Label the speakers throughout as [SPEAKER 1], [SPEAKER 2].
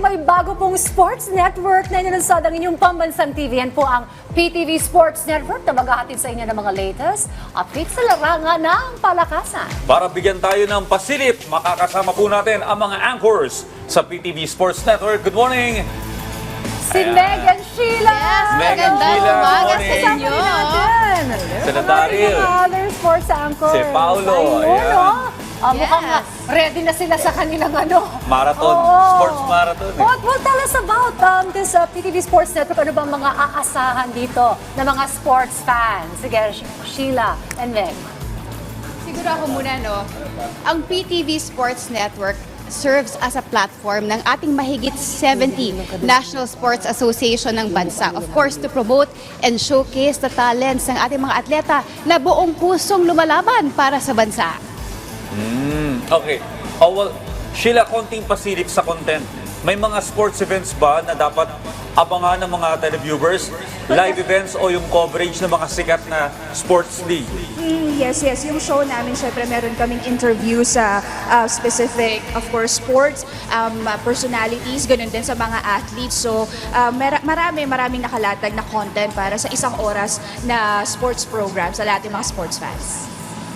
[SPEAKER 1] may bago pong sports network na inilunsad ang inyong pambansang TV. Yan po ang PTV Sports Network na maghahatid sa inyo ng mga latest updates sa larangan ng palakasan.
[SPEAKER 2] Para bigyan tayo ng pasilip, makakasama po natin ang mga anchors sa PTV Sports Network. Good morning!
[SPEAKER 1] Si Meg and Sheila!
[SPEAKER 3] Yes,
[SPEAKER 2] Meg and
[SPEAKER 3] magandang
[SPEAKER 2] Sheila, good
[SPEAKER 3] umaga
[SPEAKER 2] morning.
[SPEAKER 3] sa inyo.
[SPEAKER 1] Natin.
[SPEAKER 2] Sila
[SPEAKER 1] Good morning,
[SPEAKER 2] Daryl.
[SPEAKER 1] mga other sports anchors.
[SPEAKER 2] Si Paolo,
[SPEAKER 1] Ayun,
[SPEAKER 2] ayan.
[SPEAKER 1] no? Mukhang
[SPEAKER 3] Yes.
[SPEAKER 1] ready na sila sa kanilang
[SPEAKER 2] Marathon,
[SPEAKER 1] Oo.
[SPEAKER 2] sports marathon.
[SPEAKER 1] Well, tell us about this PTV Sports Network. Ano bang mga aasahan dito ng mga sports fans? Sige, Sheila and Meg.
[SPEAKER 3] Siguro ako muna, no? Ang PTV Sports Network serves as a platform ng ating mahigit 70 National Sports Association ng bansa. Of course, to promote and showcase the talents ng ating mga atleta na buong pusong lumalaban para sa bansa.
[SPEAKER 2] Okay. Oh, well, Sheila, konting pasilip sa content. May mga sports events ba na dapat abangan ng mga televiewers? Live events o yung coverage ng mga sikat na sports league?
[SPEAKER 4] Yes. Yung show namin, syempre meron kaming interview sa specific, of course, sports, personalities, ganun din sa mga athletes. So, maraming nakalatag na content para sa isang oras na sports program sa lahat ng mga sports fans.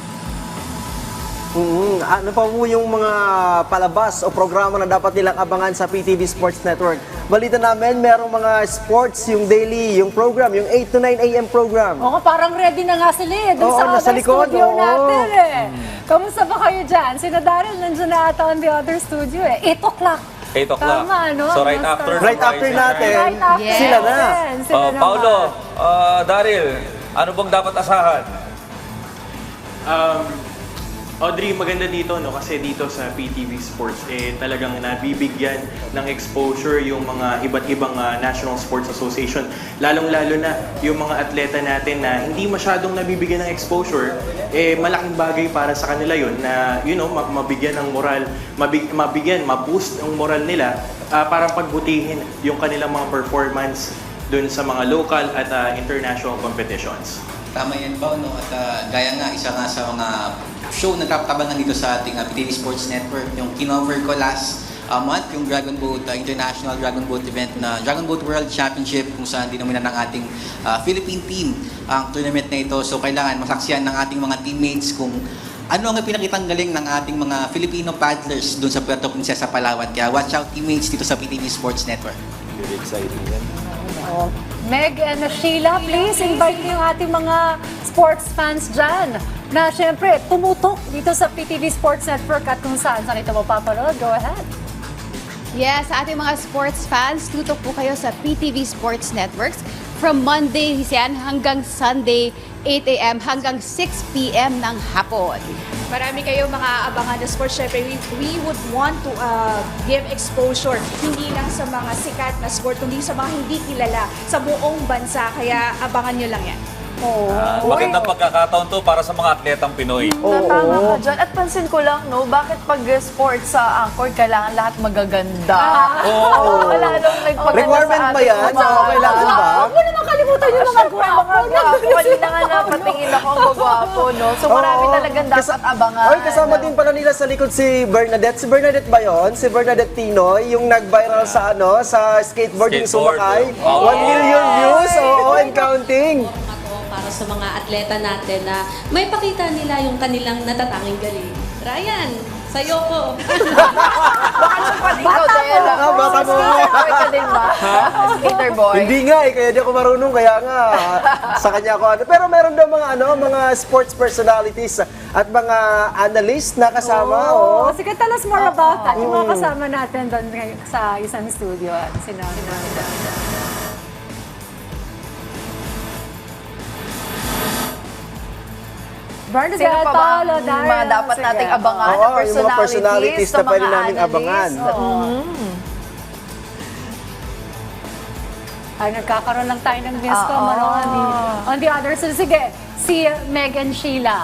[SPEAKER 5] Ano pa po yung mga palabas o programa na dapat nilang abangan sa PTV Sports Network? Balita namin, merong mga sports, yung daily, yung program, yung 8 to 9 a.m. program.
[SPEAKER 1] Oo, parang ready na nga sila doon
[SPEAKER 5] Oo,
[SPEAKER 1] sa
[SPEAKER 5] nasa
[SPEAKER 1] other
[SPEAKER 5] likod,
[SPEAKER 1] studio
[SPEAKER 5] oo.
[SPEAKER 1] natin Kamusta ba kayo dyan? Sina Daryl nandiyan na ata on the other studio 8 o'clock.
[SPEAKER 2] 8 o'clock.
[SPEAKER 1] Tama, no?
[SPEAKER 2] So right
[SPEAKER 1] Master.
[SPEAKER 2] after.
[SPEAKER 5] Right after natin,
[SPEAKER 1] Right after
[SPEAKER 3] Yes.
[SPEAKER 5] sila na.
[SPEAKER 1] Sila na
[SPEAKER 2] Paolo,
[SPEAKER 1] nga.
[SPEAKER 2] Daryl, ano bang dapat asahan?
[SPEAKER 6] Audrey, maganda dito, no? Kasi dito sa PTV Sports, talagang nabibigyan ng exposure yung mga iba't ibang National Sports Association. Lalong-lalo na yung mga atleta natin na hindi masyadong nabibigyan ng exposure, malaking bagay para sa kanila yun na, mabigyan ng moral, ma-boost ang moral nila para pagbutihin yung kanilang mga performance dun sa mga local at international competitions.
[SPEAKER 7] Tama yan ba, no? At gaya nga, isa nga sa mga show na kaptabangan dito sa ating PTV Sports Network, yung kinover ko last month, yung Dragon Boat, International Dragon Boat event na Dragon Boat World Championship, kung saan dinominan ng ating Philippine team ang tournament na ito. So kailangan masaksiyan ng ating mga teammates kung ano ang pinakitang galing ng ating mga Filipino paddlers doon sa Puerto Princesa, Palawan. Kaya watch out teammates dito sa PTV Sports Network.
[SPEAKER 5] Very exciting yan.
[SPEAKER 1] Meg and Sheila, please invite niyo yung ating mga sports fans dyan na syempre tumutok dito sa PTV Sports Network at kung saan ito mapapanood. Go ahead.
[SPEAKER 3] Yes, sa ating mga sports fans, tutok po kayo sa PTV Sports Networks from Monday yan hanggang Sunday, 8 a.m. hanggang 6 p.m. ng hapon.
[SPEAKER 4] Marami kayo mga abangan na sports. Syempre, we would want to give exposure hindi lang sa mga sikat na sport, kundi sa mga hindi kilala sa buong bansa. Kaya abangan nyo lang yan.
[SPEAKER 2] Magandang pagkakataon to para sa mga atletang Pinoy.
[SPEAKER 8] Tama ka dyan. At pansin ko lang, no, bakit pag sports sa anchor, kailangan lahat magaganda?
[SPEAKER 2] Oo.
[SPEAKER 8] Wala nung nagpaganda
[SPEAKER 5] Requirement
[SPEAKER 8] sa
[SPEAKER 5] ba
[SPEAKER 8] atin.
[SPEAKER 5] yan? Oo, kailangan ba?
[SPEAKER 1] Huwag mo naman kalimutan yung mga gwapo.
[SPEAKER 8] Kanina nga napatingin ako ang gwapo, no? So marami talagang dapat abangan.
[SPEAKER 5] Oy, kasama din pala nila sa likod si Bernadette. Si Bernadette ba yun? Si Bernadette Tinoy, yung nag-viral sa sa skateboarding
[SPEAKER 2] Skateboard,
[SPEAKER 5] sumakay.
[SPEAKER 2] oh.
[SPEAKER 5] 1 million views, oo, and counting.
[SPEAKER 9] Para sa mga atleta natin na may pakita nila yung kanilang natatanging galing. Ryan, sa'yo ko.
[SPEAKER 8] Baka naman pati ikaw, Dela.
[SPEAKER 5] Bata mo.
[SPEAKER 8] Skater ka din ba? Skater boy.
[SPEAKER 5] Hindi nga kaya di ako marunong, kaya nga sa kanya ako ano. Pero meron daw mga sports personalities at mga analysts na kasama. Oh.
[SPEAKER 1] Sige, tell us more about that. Yung mga kasama natin doon sa isang studio. Sinabi namin. Bernadette,
[SPEAKER 8] Sino pa ba
[SPEAKER 1] Paolo,
[SPEAKER 8] ang
[SPEAKER 1] Daryl?
[SPEAKER 8] mga dapat
[SPEAKER 1] Sige.
[SPEAKER 8] nating abangan
[SPEAKER 5] Oo,
[SPEAKER 8] na
[SPEAKER 5] yung mga personalities na
[SPEAKER 8] sa
[SPEAKER 5] pwede
[SPEAKER 8] mga
[SPEAKER 5] namin
[SPEAKER 8] analysts?
[SPEAKER 5] abangan.
[SPEAKER 8] Oo.
[SPEAKER 1] Ay, nagkakaroon lang tayo ng miscom.
[SPEAKER 8] Oo.
[SPEAKER 1] On the other side, sige, si Meg and Sheila.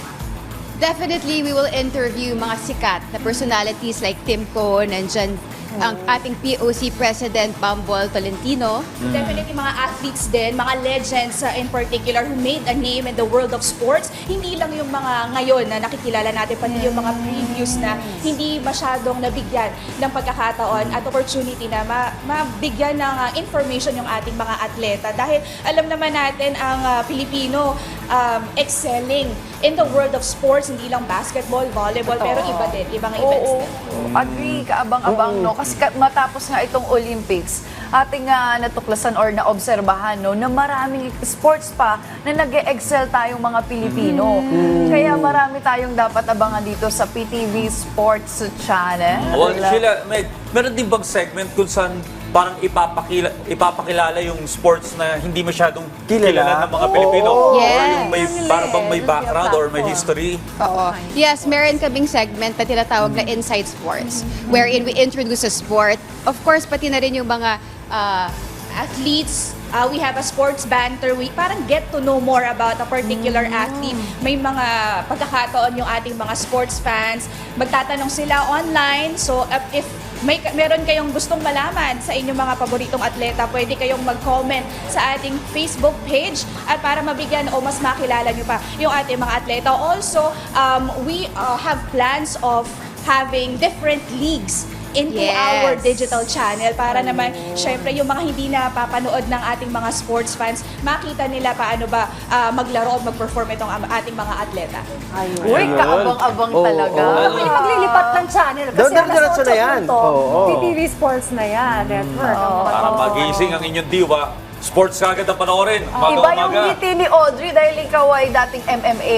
[SPEAKER 3] Definitely, we will interview mga sikat na personalities like Tim Cohn, nandyan ang ating POC President Bambol Tolentino.
[SPEAKER 4] Definitely mga athletes din, mga legends in particular who made a name in the world of sports. Hindi lang yung mga ngayon na nakikilala natin, pati yung mga previous na hindi masyadong nabigyan ng pagkakataon at opportunity na mabigyan ng information yung ating mga atleta. Dahil alam naman natin ang Pilipino excelling in the world of sports, hindi lang basketball, volleyball, pero iba din, ibang events
[SPEAKER 8] Oo,
[SPEAKER 4] din.
[SPEAKER 8] agree, kaabang-abang, no? Kasi matapos nga itong Olympics, ating natuklasan or naobserbahan, no, na maraming sports pa na nag-excel tayong mga Pilipino. Kaya marami tayong dapat abangan dito sa PTV Sports Channel.
[SPEAKER 2] Well, Sheila, meron din bang segment kung saan parang ipapakilala yung sports na hindi masyadong kilala ng mga Pilipino?
[SPEAKER 3] Yes.
[SPEAKER 2] Or yung parang bang may background or may history?
[SPEAKER 3] Oo. Yes, meron kaming segment na tinatawag na Inside Sports, wherein we introduce a sport. Of course, pati na rin yung mga
[SPEAKER 4] athletes. We have a sports banter week. Parang get to know more about a particular athlete. May mga pagkakataon yung ating mga sports fans. Magtatanong sila online. So if meron kayong gustong malaman sa inyong mga paboritong atleta, pwede kayong mag-comment sa ating Facebook page at para mabigyan o mas makilala nyo pa yung ating mga atleta. Also, we have plans of having different leagues into
[SPEAKER 3] Yes.
[SPEAKER 4] our digital channel para naman, syempre, yung mga hindi napapanood ng ating mga sports fans, makita nila paano ba maglaro o mag-perform itong ating mga atleta.
[SPEAKER 8] Uy, kaabang-abang talaga.
[SPEAKER 1] Hindi maglilipat ng channel. Kasi
[SPEAKER 5] Diretso na yan. Oo.
[SPEAKER 1] PTV Sports na yan. Network.
[SPEAKER 2] Para magising ang inyong diwa, sports kagad ang panoorin.
[SPEAKER 8] Iba yung
[SPEAKER 2] Umaga-umaga.
[SPEAKER 8] ngiti ni Audrey dahil ikaw ay dating MMA.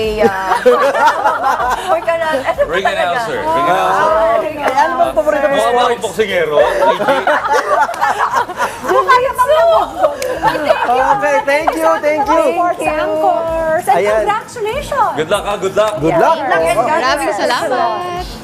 [SPEAKER 8] Or ka na, ano ba
[SPEAKER 2] Ring
[SPEAKER 8] talaga?
[SPEAKER 2] announcer. Ring announcer.
[SPEAKER 5] Ano bang paborito mo
[SPEAKER 2] Mukha ba
[SPEAKER 5] sports?
[SPEAKER 2] akong boksingero?
[SPEAKER 5] Okay, thank you.
[SPEAKER 1] Sports anchors. And
[SPEAKER 5] Ayan.
[SPEAKER 1] congratulations!
[SPEAKER 2] Good luck ha, good luck.
[SPEAKER 5] Good luck.
[SPEAKER 8] Ingat ka.
[SPEAKER 3] maraming salamat.